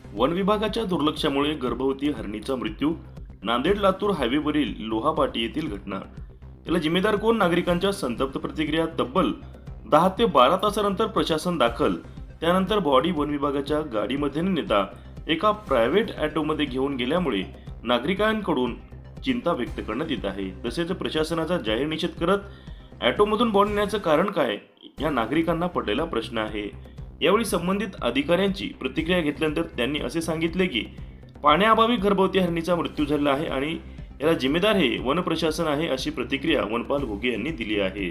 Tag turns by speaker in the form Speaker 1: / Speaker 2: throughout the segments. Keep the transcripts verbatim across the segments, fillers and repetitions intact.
Speaker 1: One विभागाच्या दुर्लक्षामुळे गर्भवती हरणीचा मृत्यू. नांदेड लातूर हायवेवरील लोहापाटी येथील घटना. याला जिम्मेदार कोण? नागरिकांच्या संतप्त प्रतिक्रिया. तब्बल दहा ते बारा तासानंतर प्रशासन दाखल. त्यानंतर बॉडी वन विभागाच्या गाडीमध्ये न नेता एका प्रायव्हेट ऑटोमध्ये घेऊन गेल्यामुळे नागरिकांकडून चिंता व्यक्त करण्यात येत आहे. तसेच प्रशासनाचा जाहीर निषेध करत ऑटोमधून बॉडी नेण्याचं कारण काय, या नागरिकांना पडलेला प्रश्न आहे. यावेळी संबंधित अधिकाऱ्यांची प्रतिक्रिया घेतल्यानंतर त्यांनी असे सांगितले की पाण्याअभावी गर्भवती हरणीचा मृत्यू झाला आहे आणि याला जिम्मेदार हे वन प्रशासन आहे, अशी प्रतिक्रिया वनपाल घुगे यांनी दिली आहे.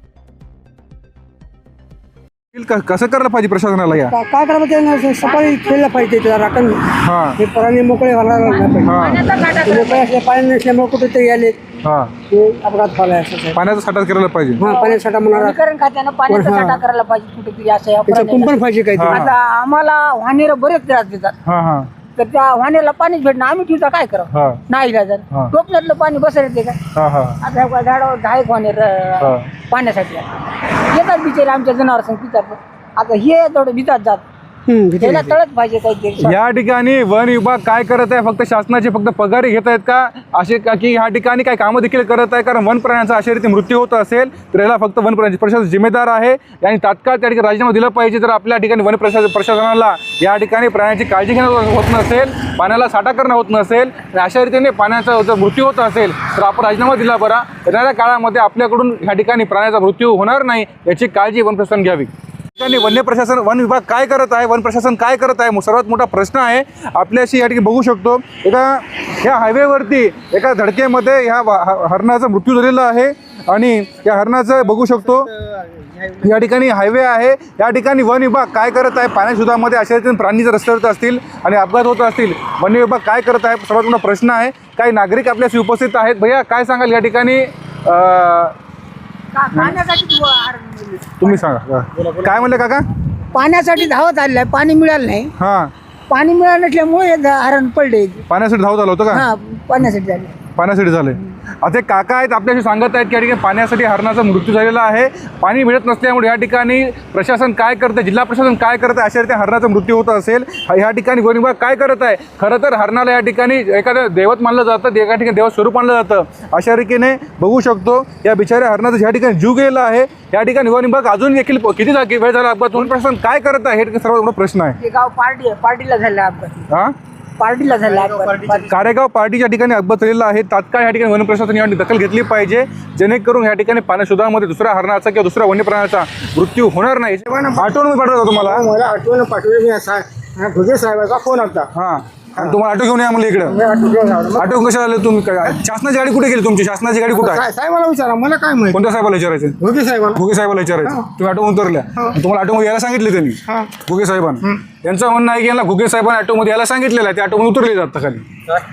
Speaker 2: कसं करायला पाहिजे प्रशासनाला? या
Speaker 3: काय करायला पाहिजे? सकाळी खेळलं पाहिजे त्याला राखण. हे प्राणी मोकळे व्हायला मोकळे असले पाणी नसल्यामुळे कुठेतरी आले अपघात झाला.
Speaker 2: पाण्याचा साठा करायला पाहिजे.
Speaker 3: हा पाण्याचा साठा म्हणा
Speaker 4: खात्यानं पाण्याचा साठा करायला पाहिजे कुठेतरी. असं
Speaker 3: कुंपण पाहिजे काही.
Speaker 4: आता आम्हाला वाहनेर बरेच त्रास देतात, तर त्या वाहनेला पाणीच भेटणं आम्ही ठेवता काय करावं? नाही का जर टोपल्यातलं पाणी बसर येते का? आता झाडावर दहा एक वाहनेर पाण्यासाठी येतात बिचारे आमच्या जनावर संग पितात. आता हे थोडं भितात जात त्याला तळत पाहिजे काहीतरी.
Speaker 2: या ठिकाणी वन विभाग काय करत आहे? फक्त शासनाचे फक्त पगारी घेत आहेत का असे का की ह्या ठिकाणी काही कामं देखील करत आहे? कारण वन प्राण्यांचा अशा रीती मृत्यू होत असेल तर याला फक्त वन प्राणी प्रशासन जिम्मेदार आहे आणि तात्काळ त्या ठिकाणी राजीनामा दिला पाहिजे. जर आपल्या ठिकाणी वन प्रशासन प्रशासनाला या ठिकाणी प्राण्यांची काळजी घेणं होत नसेल, पाण्याला साठा करणं होत नसेल आणि अशा रीतीने पाण्याचा जर मृत्यू होत असेल तर आपण राजीनामा दिला बरा. येणाऱ्या काळामध्ये आपल्याकडून ह्या ठिकाणी प्राण्याचा मृत्यू होणार नाही याची काळजी वन प्रशासन घ्यावी. ठिकाणी वन्य प्रशासन वन विभाग काय करत आहे? वन प्रशासन काय करत आहे? सर्वात मोठा प्रश्न आहे. आपल्याशी या ठिकाणी बघू शकतो एका ह्या हायवेवरती एका धडकेमध्ये ह्या हरणाचा मृत्यू झालेला आहे आणि या हरणाचं बघू शकतो या ठिकाणी हायवे आहे. या ठिकाणी वन विभाग काय करत आहे? पाण्याशोधामध्ये अशा रीतीने प्राणी जर रस्त्यावर असतील आणि अपघात होत असतील, वन विभाग काय करत आहे? सर्वात मोठा प्रश्न आहे. काही नागरिक आपल्याशी उपस्थित आहेत. भैया काय सांगाल या ठिकाणी? तुम्ही सांगा काय म्हणले काका?
Speaker 4: पाण्यासाठी धावत आलेलं आहे, पाणी मिळालं नाही.
Speaker 2: हा
Speaker 4: पाणी मिळालं नसल्यामुळे हरण पडले.
Speaker 2: पाण्यासाठी धावत आलं होतं का?
Speaker 4: हा पाण्यासाठी झाले.
Speaker 2: पाण्यासाठी झाले. आता काका आहेत आपल्याशी सांगत आहेत की या ठिकाणी पाण्यासाठी हरणाचा मृत्यू झालेला आहे. पाणी मिळत नसल्यामुळे या ठिकाणी प्रशासन काय करतं, जिल्हा प्रशासन काय करतं? अशा रीती हरणाचा मृत्यू होत असेल ह्या ठिकाणी वन विभाग काय करत आहे? खरं तर हरणाला या ठिकाणी एखादं दैवत मानलं जातं, एका ठिकाणी देव स्वरूप मानलं जातं. अशा रीतीने बघू शकतो या बिचाऱ्या हरणाचा ज्या ठिकाणी जीव गेलेला आहे या ठिकाणी वन विभाग अजून देखील किती जागी वेळ झाला अपघात, वन प्रशासन काय करत आहे हे सर्वात मोठा प्रश्न आहे.
Speaker 4: गाव पार्टी आहे, पार्टीला झाला अपघात.
Speaker 2: हा
Speaker 4: पार्टीला झाला
Speaker 2: कारेगाव पार्टीच्या ठिकाणी अपघात झालेला आहे. तात्काळ या ठिकाणी वन प्रशासन याची दखल घेतली पाहिजे जेणेकरून या ठिकाणी पाण्याशोधामध्ये दुसऱ्या हरणाचा किंवा दुसऱ्या वन्य प्राण्याचा मृत्यू होणार नाही. आठवण पाठवतो तुम्हाला.
Speaker 3: मला आठवण पाठवली. मी भुगे साहेबाचा फोन होता.
Speaker 2: हा आणि तुम्हाला ऑटो घेऊन या म्हणलं इकडं. ऑटो कशा आले तुम्ही? शासनाची गाडी कुठे गेली तुमची? शासनाची गाडी कुठे आहे?
Speaker 3: साहेबाला विचारा, मला काय माहिती.
Speaker 2: कोणत्या साहेबाला विचारायचं?
Speaker 3: भुगे साहेबाला.
Speaker 2: भुगे साहेबाला विचारायचं. तुम्ही ऑटो उतरल्या, तुम्हाला ऑटोमध्ये यायला सांगितले त्यांनी भुगे साहेबांना. यांचं म्हणणं आहे की यांना भुगे साहेबांना ऑटोमध्ये यायला सांगितलेलं आहे, ते ऑटोमध्ये उतरले जातात खाली.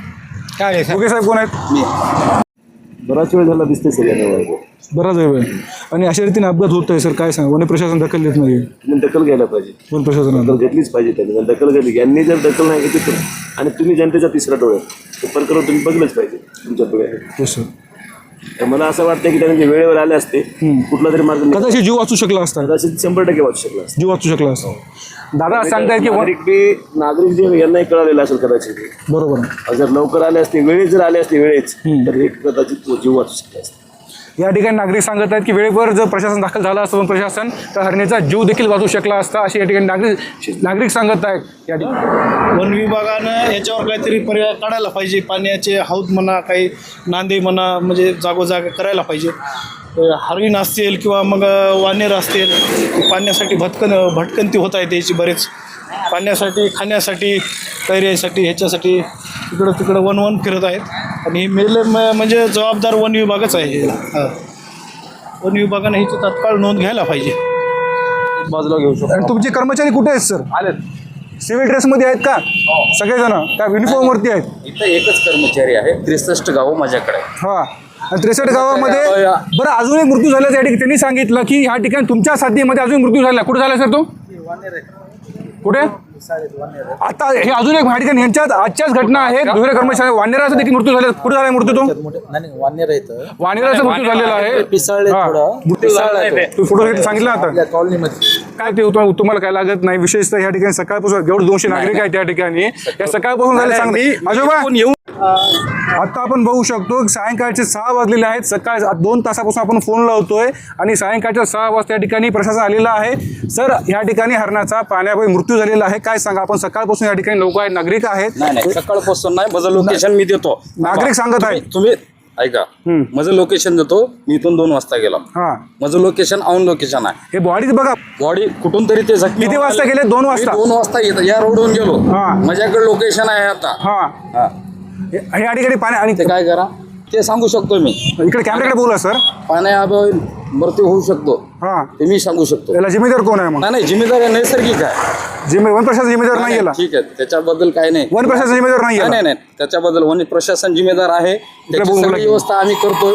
Speaker 3: काय
Speaker 2: भुगे साहेब कोण आहेत?
Speaker 1: बराच वेळ झाला दिसते सगळ्यांना.
Speaker 2: बराच वेळ आणि अशा रीतीने अपघात होत आहे सर, काय सांगा? वन प्रशासन दखल घेत नाही.
Speaker 1: तुम्ही दखल घ्यायला पाहिजे.
Speaker 2: वन प्रशासन
Speaker 1: दखल घेतलीच पाहिजे. त्यांनी दखल घेतली. यांनी जर दखल नाही घेतली तर आणि तुम्ही जनतेचा तिसरा डोळा ते प्रकरण तुम्ही बघलंच पाहिजे तुमच्या डोळ्यात.
Speaker 2: सर
Speaker 1: तर मला असं वाटतं की त्यांनी वेळेवर आले असते कुठला तरी मार्ग
Speaker 2: कदाचित जीव वाचू शकला असता.
Speaker 1: कदाचित शंभर टक्के वाचू शकला असता.
Speaker 2: जीव वाचू शकला असता. दादा सांगतायत की
Speaker 1: नागरिक बी नागरिक जे यांनाही कळालेलं असेल कदाचित.
Speaker 2: बरोबर.
Speaker 1: जर लवकर आले असते, वेळेत जर आले असते वेळेच, तर हे कदाचित जीव वाचू शकला असता.
Speaker 2: या ठिकाणी नागरिक सांगत आहेत की वेळेवर जर प्रशासन दाखल झालं असतं प्रशासन तर हरणीचा जीव देखील वाचू शकला असता, अशी या ठिकाणी नागरिक नागरिक सांगत आहेत. या ठिकाणी
Speaker 5: वन विभागानं याच्यावर काहीतरी पर्याय काढायला पाहिजे. पाण्याचे हौद म्हणा, काही नांदे म्हणा, म्हणजे जागोजाग करायला पाहिजे. हरिण असतील किंवा मग वानेर असतील, पाण्यासाठी भटकन भटकंती होत आहे त्याची बरेच. पाण्यासाठी, खाण्यासाठी, कैऱ्यासाठी, ह्याच्यासाठी इकडं तिकडं वन वन फिरत आहेत आणि मेले म्हणजे जबाबदार वन विभागच आहे. हे वन विभागानं ह्याची तात्काळ नोंद घ्यायला पाहिजे.
Speaker 2: बाजूला घेऊ शकतो. आणि तुमचे कर्मचारी कुठे आहेत सर? आलेत. सिव्हिल ड्रेसमध्ये आहेत का सगळेजण? त्या युनिफॉर्मवरती आहेत?
Speaker 6: इथं एकच कर्मचारी आहे. त्रेसष्ट गावं माझ्याकडे.
Speaker 2: हा आणि त्रेसष्ट गावामध्ये बरं अजून एक मृत्यू झाला त्या ठिकाणी त्यांनी सांगितलं की ह्या ठिकाणी तुमच्या साथीमध्ये अजून मृत्यू झाला. कुठे झाला सर तो? कुठे? आता हे अजून एक ठिकाणी यांच्यात आजच्याच घटना आहेत. दुसऱ्या कर्मचारी वानेराचा देखील मृत्यू झाला. कुठे झाला मृत्यू तो? वानेराचा मृत्यू झालेला आहे.
Speaker 6: पिसाळले थोडं.
Speaker 2: तू फोटो सांगितला आता
Speaker 6: कॉलनीमध्ये
Speaker 2: काय ते तुम- तुम्हाला काय लागत नाही, विशेषतः या ठिकाणी सकाळपासून जेवढे दोनशे नागरिक आहेत त्या ठिकाणी या सकाळपासून झाले सांग आजोबा
Speaker 6: येऊन
Speaker 2: आता आपण बघू शकतो सायंकाळचे सहा वाजलेले आहेत. सकाळ दोन तासापासून आपण फोन लावतोय आणि सायंकाळच्या सहा वाजता या ठिकाणी प्रशासन आलेलं आहे. सर या ठिकाणी हरणाचा पाण्यामुळे मृत्यू झालेला आहे, काय सांगा आपण? सकाळपासून या ठिकाणी लोक आहेत, नागरिक आहेत.
Speaker 6: नाही नाही सकाळपासून नाही, माझं लोकेशन मी देतो.
Speaker 2: नागरिक सांगत आहेत.
Speaker 6: तुम्ही- तुम्ही ऐका, माझं लोकेशन देतो. मी इथून दोन वाजता गेला.
Speaker 2: हा
Speaker 6: माझं लोकेशन ऑन लोकेशन आहे.
Speaker 2: हे बॉडी बघा
Speaker 6: बॉडी कुठून तरी ते जखमी
Speaker 2: किती
Speaker 6: होऊन
Speaker 2: वाजता
Speaker 6: आले.
Speaker 2: गेले? दोन
Speaker 6: मी
Speaker 2: वाजता.
Speaker 6: दोन वाजता येत- या रोडवरून गेलो.
Speaker 2: हा.
Speaker 6: माझ्याकडे लोकेशन आहे आता.
Speaker 2: हा
Speaker 6: हा.
Speaker 2: हे- या ठिकाणी पाणी आणि
Speaker 6: ते काय करा ते सांगू शकतो मी.
Speaker 2: इकडे कॅमेराकडे बोला सर.
Speaker 6: पाण्याअभावी मृत्यू होऊ शकतो
Speaker 2: हा
Speaker 6: ते मी सांगू शकतो.
Speaker 2: याला जिम्मेदार कोण आहे मग?
Speaker 6: नाही नाही जिम्मेदारी नैसर्गिक आहे.
Speaker 2: जिम्मे वन प्रशासन जिम्मेदार नाही याला.
Speaker 6: ठीक आहे त्याच्याबद्दल काही नाही.
Speaker 2: वन प्रशासन जिम्मेदार नाही
Speaker 6: नाही
Speaker 2: याला.
Speaker 6: नाही नाही त्याच्याबद्दल वन प्रशासन जिम्मेदार आहे. त्याची
Speaker 2: बोलू
Speaker 6: सगळी
Speaker 2: लागले.
Speaker 6: व्यवस्था आम्ही करतोय.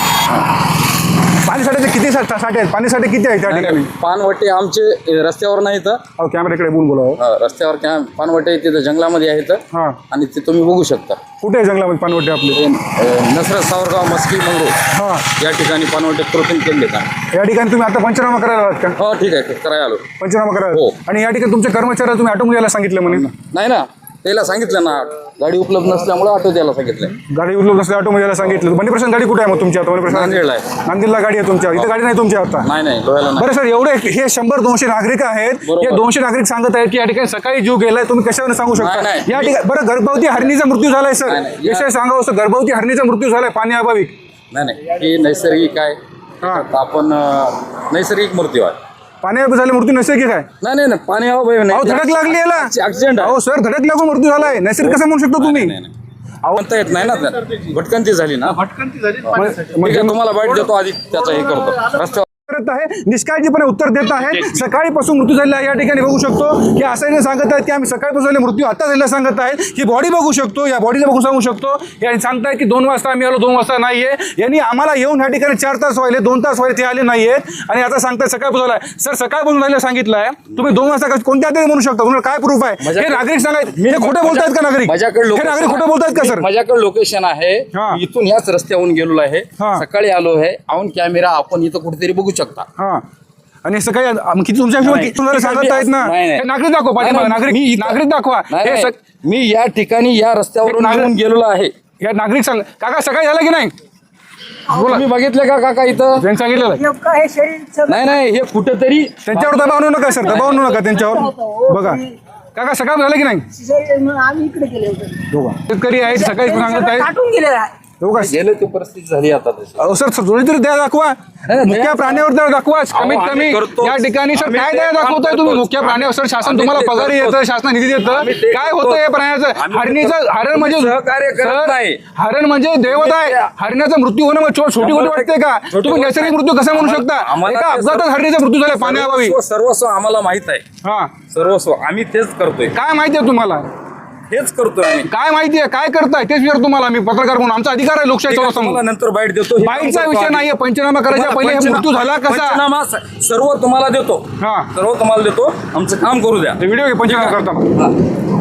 Speaker 2: हा पाणी साठे किती सा- साठे आहेत? पाणी साठे किती आहेत त्या ठिकाणी?
Speaker 6: पानवटे आमचे अ, रस्त्यावर नाहीत.
Speaker 2: अहो कॅमेराकडे बोलून बोला.
Speaker 6: अ, रस्त्यावर क्या पानवटे तिथं जंगलामध्ये आहेत
Speaker 2: हा
Speaker 6: आणि ते तुम्ही बघू शकता.
Speaker 2: कुठे आहे जंगलामध्ये पाणवटे आपले?
Speaker 6: अ, नसरत सावरगाव मस्की मंगरूळ
Speaker 2: हा
Speaker 6: या ठिकाणी पानवटे कृत्रिम केले का?
Speaker 2: या ठिकाणी तुम्ही आता पंचनामा करायला आलात का?
Speaker 6: हो ठीक आहे करायला आलो.
Speaker 2: पंचनामा करायला
Speaker 6: हो.
Speaker 2: आणि या ठिकाणी तुमच्या कर्मचाऱ्याला तुम्ही ऑटो द्यायला सांगितलं म्हणे.
Speaker 6: नाही ना त्याला सांगितलं ना गाडी उपलब्ध नसल्यामुळे ऑटो द्यायला सांगितलं.
Speaker 2: गाडी उपलब्ध नसल्या ऑटो द्यायला सांगितलं. बंडी प्रशासन गाडी कुठे आहे मग तुमच्या आता? बंडी प्रशासन
Speaker 6: नांदेडला आहे.
Speaker 2: नांदेडला गाडी आहे तुमच्या, इथं गाडी नाही तुमच्या आता.
Speaker 6: नाही नाही लोह्याला नाही.
Speaker 2: बरं सर एवढे हे शंभर दोनशे नागरिक आहेत.
Speaker 6: बरोबर.
Speaker 2: हे दोनशे नागरिक सांगत आहेत की या ठिकाणी सकाळी जीव गेलाय, तुम्ही कशावर सांगू शकता?
Speaker 6: नाही, नाही.
Speaker 2: या ठिकाणी बरं गर्भवती हरणीचा मृत्यू झालाय सर,
Speaker 6: नाही, नाही. या-
Speaker 2: विषय सांगावं असं गर्भवती हरणीचा मृत्यू झालाय पाण्याअभावी.
Speaker 6: नाही नाही हे नैसर्गिक आहे.
Speaker 2: हा
Speaker 6: आपण अ, नैसर्गिक मृत्यू आहे.
Speaker 2: पाण्याअभावी झाले मृत्यू नैसर्गिक आहे.
Speaker 6: नाही नाही नाही पाणी अभावी
Speaker 2: अहो
Speaker 6: नाही.
Speaker 2: धडक लागली याला.
Speaker 6: ऍक्सिडेंट आहे.
Speaker 2: अहो सर धडक लागून मृत्यू झालाय, नैसर्गिक कसं म्हणू शकतो तुम्ही?
Speaker 6: नाही नाही म्हणता येत नाही ना त्या. भटकंती झाली ना.
Speaker 2: मग-
Speaker 6: ठीक
Speaker 2: मग-
Speaker 6: आहे तुम्हाला बाईट देतो आधी त्याचं हे करतो रस्त्यावर.
Speaker 2: करत आहे निष्काळजीपणे उत्तर देत आहे. सकाळीपासून मृत्यू झालेला आहे या ठिकाणी बघू शकतो की असं नाही सांगत आहेत की आम्ही सकाळपासून झाले मृत्यू आता झालेला सांगत आहेत. ही बॉडी बघू शकतो, या बॉडीला बघून सांगू शकतो. यांनी सांगतायत की दोन वाजता आम्ही आलो, दोन वाजता नाहीये. यांनी आम्हाला येऊन या ठिकाणी चार तास व्हायले, दोन तास व्हायले, ते आले नाहीयेत आणि आता सांगताय सकाळपासून झालाय. सर सकाळपासून झालेलं सांगितलं आहे, तुम्ही दोन वाजता का- कोणत्या तरी म्हणू शकता? तुम्हाला काय प्रूफ आहे? हे
Speaker 6: माझ्याकडे-
Speaker 2: नागरिक सांगायत हे खोटं बोलतायत का नागरिक?
Speaker 6: माझ्याकडे
Speaker 2: हे
Speaker 6: location
Speaker 2: नागरिक खोटं
Speaker 6: आहे.
Speaker 2: बोलतायत का सर?
Speaker 6: माझ्याकडे लोकेशन आहे.
Speaker 2: हा.
Speaker 6: मी इथून याच रस्त्यावरून गेलेलो आहे.
Speaker 2: हा.
Speaker 6: सकाळी आलो आहे. ऑन कॅमेरा आपण इथं कुठेतरी बघू शकता.
Speaker 2: हा आणि सकाळी आम- किती तुमच्या हिशोबाने किती तुम्हाला सांगत आहेत ना?
Speaker 6: नाही, नाही.
Speaker 2: हे नागरिक दाखवा पाठीमागे,
Speaker 6: नाही,
Speaker 2: नागरिक
Speaker 6: मी इथं-
Speaker 2: नागरिक दाखवा.
Speaker 6: नाही,
Speaker 2: हे
Speaker 6: नाही.
Speaker 2: सक-
Speaker 6: मी या ठिकाणी या रस्त्यावरून
Speaker 2: नागरिक-
Speaker 6: येऊन गेलेलो आहे.
Speaker 2: या नागरिक सांग काका सकाळी झालं की नाही? बोला
Speaker 6: तुम्ही बघितलं का काका इथं?
Speaker 2: त्यांनी सांगितलेलं आहे.
Speaker 4: नेमकं हे शरीर सगळं-
Speaker 6: नाही नाही हे कुठेतरी
Speaker 2: त्यांच्यावर दबाव आणू नका सर, दबाव आणू नका त्यांच्यावर. बघा काका सकाळ झालं की नाही?
Speaker 4: शरीर म्हणून आम्ही इकडे गेले होते.
Speaker 2: दोघा शेतकरी आहेत, सकाळी सांगत आहेत.
Speaker 4: काटून गेलेलं आहे.
Speaker 2: दोघा
Speaker 6: गेलं ती परिस्थिती झाली आता तशी.
Speaker 2: अहो सर थोडी तरी दया दाखवा.
Speaker 6: नाही,
Speaker 2: मुख्य
Speaker 6: दया-
Speaker 2: प्राण्यावर दया दाखवा.
Speaker 6: अहो,
Speaker 2: कमीत
Speaker 6: आम्ही
Speaker 2: कमी
Speaker 6: करतोच.
Speaker 2: या ठिकाणी सर
Speaker 6: आम्ही
Speaker 2: काय
Speaker 6: ते
Speaker 2: दया
Speaker 6: काम
Speaker 2: दाखवताय तुम्ही?
Speaker 6: करतोच.
Speaker 2: मुख्य प्राण्यावर सर शासन
Speaker 6: आम्ही
Speaker 2: तुम्हाला
Speaker 6: ते
Speaker 2: पगार
Speaker 6: करतोच.
Speaker 2: येतं, शासन निधी देतं.
Speaker 6: आम्ही ते
Speaker 2: काय
Speaker 6: करतोच.
Speaker 2: होतं हे प्राण्याचं?
Speaker 6: आम्ही ते
Speaker 2: हरणीचं
Speaker 6: करतोच.
Speaker 2: हरण म्हणजे
Speaker 6: सहकार्य करत
Speaker 2: सर,
Speaker 6: नाही.
Speaker 2: हरण म्हणजे देवत आहे. हरण्याचा मृत्यू होणं मग छो- छोटी गोष्ट वाटते का?
Speaker 6: छोटी
Speaker 2: तुम्ही
Speaker 6: गोष्ट
Speaker 2: नैसर्गिक मृत्यू कसा म्हणू शकता?
Speaker 6: आम्हाला
Speaker 2: एका
Speaker 6: ते
Speaker 2: अपघातात
Speaker 6: सर्व-
Speaker 2: हरणीचा मृत्यू झाला पाण्याअभावी.
Speaker 6: सर्वस्व सर्वस्व आम्हाला माहित आहे.
Speaker 2: हा
Speaker 6: सर्वस्व आम्ही तेच करतोय.
Speaker 2: काय माहिती आहे तुम्हाला?
Speaker 6: हेच करतोय आम्ही.
Speaker 2: काय माहिती आहे? काय करताय तेच विचार तुम्हाला आम्ही पत्रकार म्हणून. आमचा अधिकार आहे लोकशाही
Speaker 6: तुम्हाला
Speaker 2: समोर.
Speaker 6: नंतर बाईट देतो. हे
Speaker 2: बाईटचा
Speaker 6: करतो
Speaker 2: विषय
Speaker 6: आधी.
Speaker 2: नाहीये. पंचनामा करायच्या पहिले हे
Speaker 6: पंचनामा-
Speaker 2: मृत्यू झाला कसा?
Speaker 6: पंचनामा स- सर्व तुम्हाला देतो.
Speaker 2: हा
Speaker 6: सर्व तुम्हाला देतो. आमचं काम करू द्या.
Speaker 2: व्हिडिओ घे पंचनामा करताना.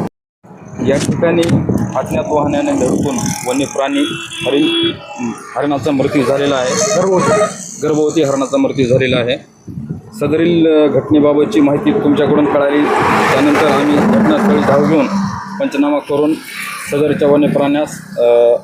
Speaker 6: या ठिकाणी अज्ञात वाहनाने धडकून वन्य प्राणी हरिण हरणाचा मृत्यू झालेला आहे. गर्भवती हरणाचा मृत्यू झालेला आहे. सदरील अ, घटनेबाबतची माहिती तुमच्याकडून कळाली. त्यानंतर आम्ही घटनास्थळी धाव घेऊन पंचनामा करून सदरच्या वन्य प्राण्यास अ,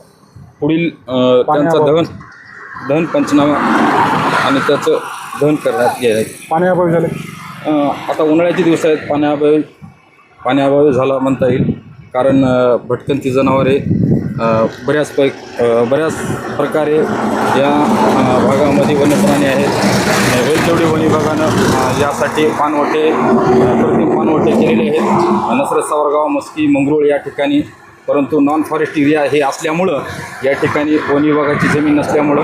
Speaker 6: पुढील अ, त्यांचा दहन दहन पंचनामा आणि त्याचं दहन करण्यात गेलं.
Speaker 2: पाण्याअभावी झाले.
Speaker 6: अ, आता उन्हाळ्याचे दिवस आहेत. पाण्याअभावी पाण्याअभावी झाला म्हणता येईल. कारण अ, भटकंती जनावरे अ, बऱ्याच पै अ, बऱ्याच प्रकारे या अ, भागामध्ये वन्यप्राणी आहेत. होईल तेवढे वन विभागानं अ, यासाठी पाणवटे अ, कृत्रिम पाणवटे केलेले आहेत. नसरत सावरगाव मस्की मंगरूळ या ठिकाणी. परंतु नॉन फॉरेस्ट एरिया हे असल्यामुळं या ठिकाणी वन विभागाची जमीन नसल्यामुळं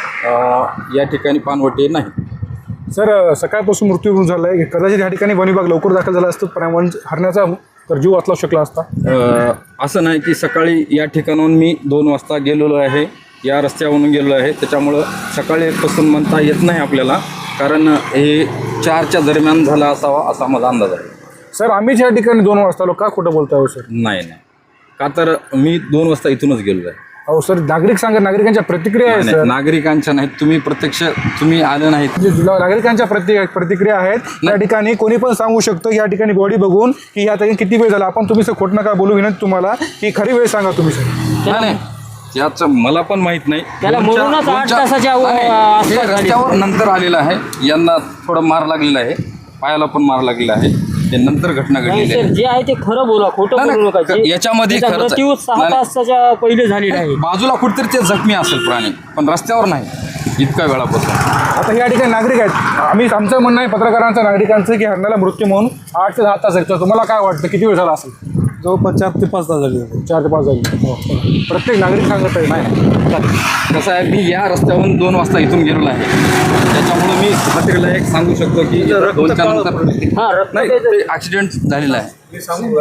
Speaker 6: अ, या ठिकाणी पाणवटे नाही.
Speaker 2: सर सकाळपासून मृत्यू झाला आहे. कदाचित या ठिकाणी वन विभाग लवकर दाखल झाला असतं, पण वन हरण्याचा तर जीव वाचला शकला असता.
Speaker 6: अ, असं नाही की सकाळी या ठिकाणाहून मी दोन वाजता गेलेलो आहे. या रस्त्यावरून गेलेलो आहे. त्याच्यामुळं सकाळीपासून म्हणता येत नाही आपल्याला. कारण हे चारच्या दरम्यान झाला असावा असा माझा अंदाज आहे.
Speaker 2: सर आम्हीच या ठिकाणी दोन वाजता आलो, का खोटं बोलताय हो सर?
Speaker 6: नाही नाही का तर मी दोन वाजता इथूनच गेलो आहे.
Speaker 2: अहो सर, नागरिक सांगा, नागरिकांच्या प्रतिक्रिया आहे
Speaker 6: नाही,
Speaker 2: सर.
Speaker 6: नागरिकांच्या नाहीत, तुम्ही प्रत्यक्ष तुम्ही आले नाहीत.
Speaker 2: जे नागरिकांच्या प्रति प्रतिक्रिया आहेत या ठिकाणी कोणी पण सांगू शकतो या ठिकाणी बॉडी बघून की या ठिकाणी किती वेळ झाला. आपण तुम्ही सर खोट नका बोलू, विनंती तुम्हाला की खरी वेळ सांगा तुम्ही सर.
Speaker 6: नाही नाही, याचं मला पण माहित नाही.
Speaker 7: त्याला
Speaker 6: दोनच्या-
Speaker 7: म्हणूनच आठ
Speaker 6: दोनच्या-
Speaker 7: तासाच्या
Speaker 6: नाही, नाही,
Speaker 7: आसपास
Speaker 6: हे
Speaker 7: झाली.
Speaker 6: रस्त्यावर नंतर आलेलं आहे. यांना थोडं मार लागलेला आहे, पायाला पण मार लागलेला आहे. ते नंतर घटना
Speaker 7: नाही
Speaker 6: घडलेली
Speaker 7: सर,
Speaker 6: आहे.
Speaker 7: जे आहे ते खरं बोला, खोटं
Speaker 6: नाही,
Speaker 7: बोलू नका.
Speaker 6: नाही,
Speaker 7: जे-
Speaker 6: याच्यामध्ये
Speaker 7: त्याचा
Speaker 6: खरंच आहे.
Speaker 7: मृत्यू सहा
Speaker 6: नाही, नाही.
Speaker 7: तासाच्या पहिले झालेला आहे.
Speaker 6: बाजूला कुठेतरी ते जखमी असेल प्राणी, पण रस्त्यावर नाही इतका वेळापासून.
Speaker 2: आता या ठिकाणी नागरिक आहेत, आम्ही आमचं म्हणणं आहे पत्रकारांचं नागरिकांचं की हरणाला मृत्यू म्हणून आठ ते दहा तास आहे. तर तुम्हाला काय वाटतं किती वेळ झाला असेल?
Speaker 3: जवळपास चार ते पाच तास झाले.
Speaker 2: चार ते पाच झाली. प्रत्येक नागरिक सांगत आहे नाही.
Speaker 6: कसं आहे, मी या रस्त्यावरून दोन वाजता इथून गेलेलो आहे. त्याच्यामुळे मी खात्रीला एक सांगू शकतो की दोनच्या नंतर
Speaker 7: हा, रक्त
Speaker 6: नाही, ते ॲक्सिडेंट झालेला आहे.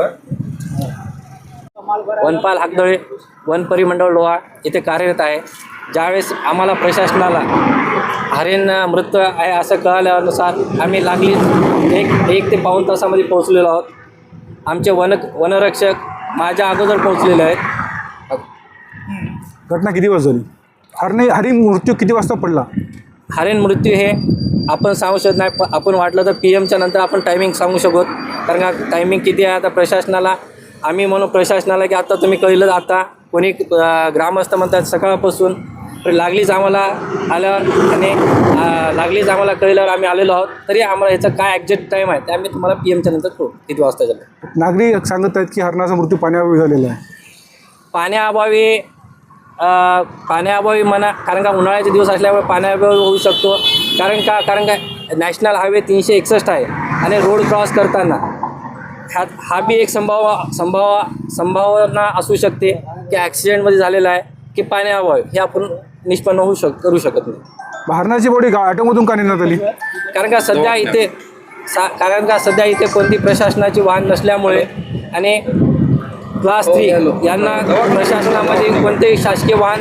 Speaker 7: वनपाल हाकदळे वन परिमंडळ लोहा इथे कार्यरत आहे. ज्यावेळेस आम्हाला प्रशासनाला हरिण मृत आहे असं कळाल्यानुसार आम्ही लागली एक एक ते पाऊण तासामध्ये पोहोचलेलो आहोत. आमचे वन वनरक्षक माझ्या अगोदर पोहोचलेले आहेत.
Speaker 2: घटना किती वाजता झाली? हरणे हरी मृत्यू किती वाजता पडला?
Speaker 7: हरिण मृत्यू हे आपण सांगू शकत नाही. प आपण वाटलं तर पी एमच्या नंतर आपण टायमिंग सांगू शकतो. कारण का टायमिंग किती आहे आता प्रशासनाला आम्ही म्हणू प्रशासनाला की आता तुम्ही कळलं. आता कोणी अं, ग्रामस्थ म्हणतात सकाळपासून लागलीच आम्हाला आल्यावर आणि अं, लागलीच आम्हाला कळल्यावर आम्ही आलेलो आहोत. तरी आम्हाला ह्याचा काय एक्झॅक्ट टाईम आहे ते आम्ही तुम्हाला पी एमच्या नंतर कळू किती वाजता झालं.
Speaker 2: नागरिक सांगत आहेत की हरणाचा मृत्यू पाण्याअभावी झालेला आहे.
Speaker 7: पाण्याअभावी अ, पाण्याअभावी म्हणा, कारण का उन्हाळ्याचे दिवस असल्यामुळे पाण्याअभावी होऊ शकतो. कारण का कारण का नॅशनल हायवे तीनशे एकसष्ट आहे आणि रोड क्रॉस करताना ह्या हा बी एक संभाव संभाव संभावना असू शकते की ॲक्सिडेंटमध्ये झालेला आहे की पाण्याअभावी हे आपण निष्पन्न होऊ शक करू शकत नाही.
Speaker 2: हरणाची बॉडी ऑटोमधून का नेण्यात आली?
Speaker 7: कारण का सध्या इथे सा कारण का सध्या इथे कोणती प्रशासनाची वाहन नसल्यामुळे आणि क्लास थ्री यांना प्रशासनामध्ये कोणतेही शासकीय वाहन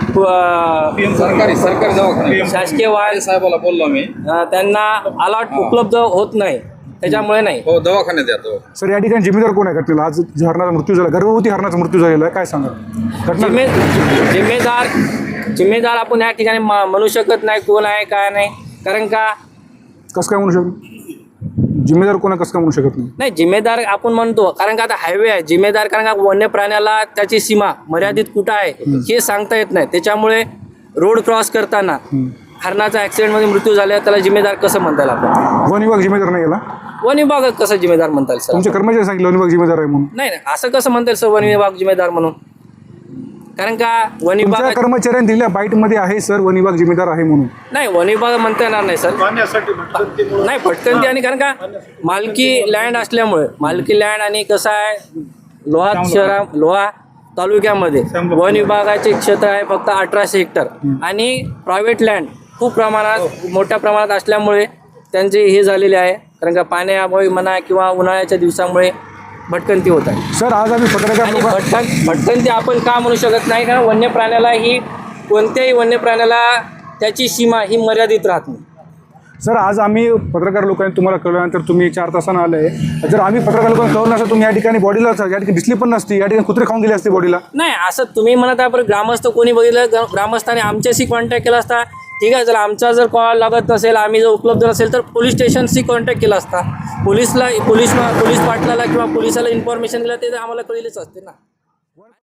Speaker 7: अ,
Speaker 6: सरकारी सरकारी दवाखाना
Speaker 7: शासकीय वाहन
Speaker 6: साहेबाला बोललो मी.
Speaker 7: अ, त्यांना अलॉट उपलब्ध होत नाही, त्याच्यामुळे नाही.
Speaker 6: हो, दवाखान्यात येतो.
Speaker 2: सर, या ठिकाणी जिम्मेदार कोण आहे घटनेला? आज जे हरणाचा मृत्यू झाला, गर्भवती हरणाचा मृत्यू झालेला आहे, काय सांगा घटना?
Speaker 7: जिम्मे जिम्मेदार जिम्मेदार आपण या ठिकाणी म- म्हणू शकत नाही कोण आहे काय नाही. कारण का
Speaker 2: कसं काय म्हणू शकतो? जिम्मेदार कोण आहे कसं काय म्हणू शकत नाही?
Speaker 7: नाही जिम्मेदार आपण म्हणतो कारण का आता हायवे आहे. जिम्मेदार कारण का वन्य प्राण्याला त्याची सीमा मर्यादित कुठं आहे हे सांगता येत नाही. त्याच्यामुळे रोड क्रॉस करताना हरणाचा ॲक्सिडेंटमध्ये मृत्यू झाला त्याला जिम्मेदार कसं म्हणता येईल आपण?
Speaker 2: वन विभाग जिम्मेदार नाही गेला?
Speaker 7: वन विभाग कसं जिम्मेदार म्हणता येईल सर?
Speaker 2: तुमचे कर्मचारी सांगितलं वन विभाग जिम्मेदार आहे म्हणून.
Speaker 7: नाही नाही असं कसं म्हणता येईल सर वन विभाग जिम्मेदार म्हणून? कारण का वन
Speaker 2: तुमच्या
Speaker 7: विभाग
Speaker 2: कर्मचाऱ्यांनी दिलेल्या बाईटमध्ये आहे सर वन विभाग जिम्मेदार आहे म्हणून.
Speaker 7: नाही वन विभाग म्हणता येणार नाही सर.
Speaker 5: पाण्यासाठी भटकंतीमुळे
Speaker 7: नाही भटकंती आणि कारण का मालकी लँड असल्यामुळे मालकी लँड आणि कसं आहे लोहा शहरा लोहा तालुक्यामध्ये वन विभागाचे क्षेत्र आहे फक्त अठराशे हेक्टर आणि प्रायव्हेट लँड खूप प्रमाणात मोठ्या प्रमाणात असल्यामुळे त्यांचे हे झालेले आहे. कारण का पाण्याअभावी म्हणा किंवा उन्हाळ्याच्या दिवसामुळे भटकंती होत आहे.
Speaker 2: सर, आज आम्ही पत्रकार
Speaker 7: आणि
Speaker 2: लोक
Speaker 7: भटकन भटकंती आपण का म्हणू शकत नाही कारण वन्य प्राण्याला ही कोणत्याही वन्य प्राण्याला त्याची सीमा ही मर्यादित राहत नाही.
Speaker 2: सर, आज आम्ही पत्रकार लोकांनी तुम्हाला कळल्यानंतर तुम्ही चार तासानं आले. जर आम्ही पत्रकार लोकांना कळलं नसतं तुम्ही या ठिकाणी बॉडीला या ठिकाणी दिसली पण नसती. या ठिकाणी कुत्रे खाऊन गेले असते बॉडीला.
Speaker 7: नाही असं तुम्ही म्हणत आहे पण ग्रामस्थ कोणी बघितलं ग्रा- ग्रामस्थाने आमच्याशी कॉन्टॅक्ट केला असता. ठीक आहे, जर आमचा जर कॉल लागत नसेल आम्ही जर उपलब्ध नसेल तर पोलीस स्टेशनशी कॉन्टॅक्ट केला असता. पोलीसला पोलीस पोलीस पाटलाला किंवा पोलिसाला इन्फॉर्मेशन दिलं ते आम्हाला कळलेच असते ना.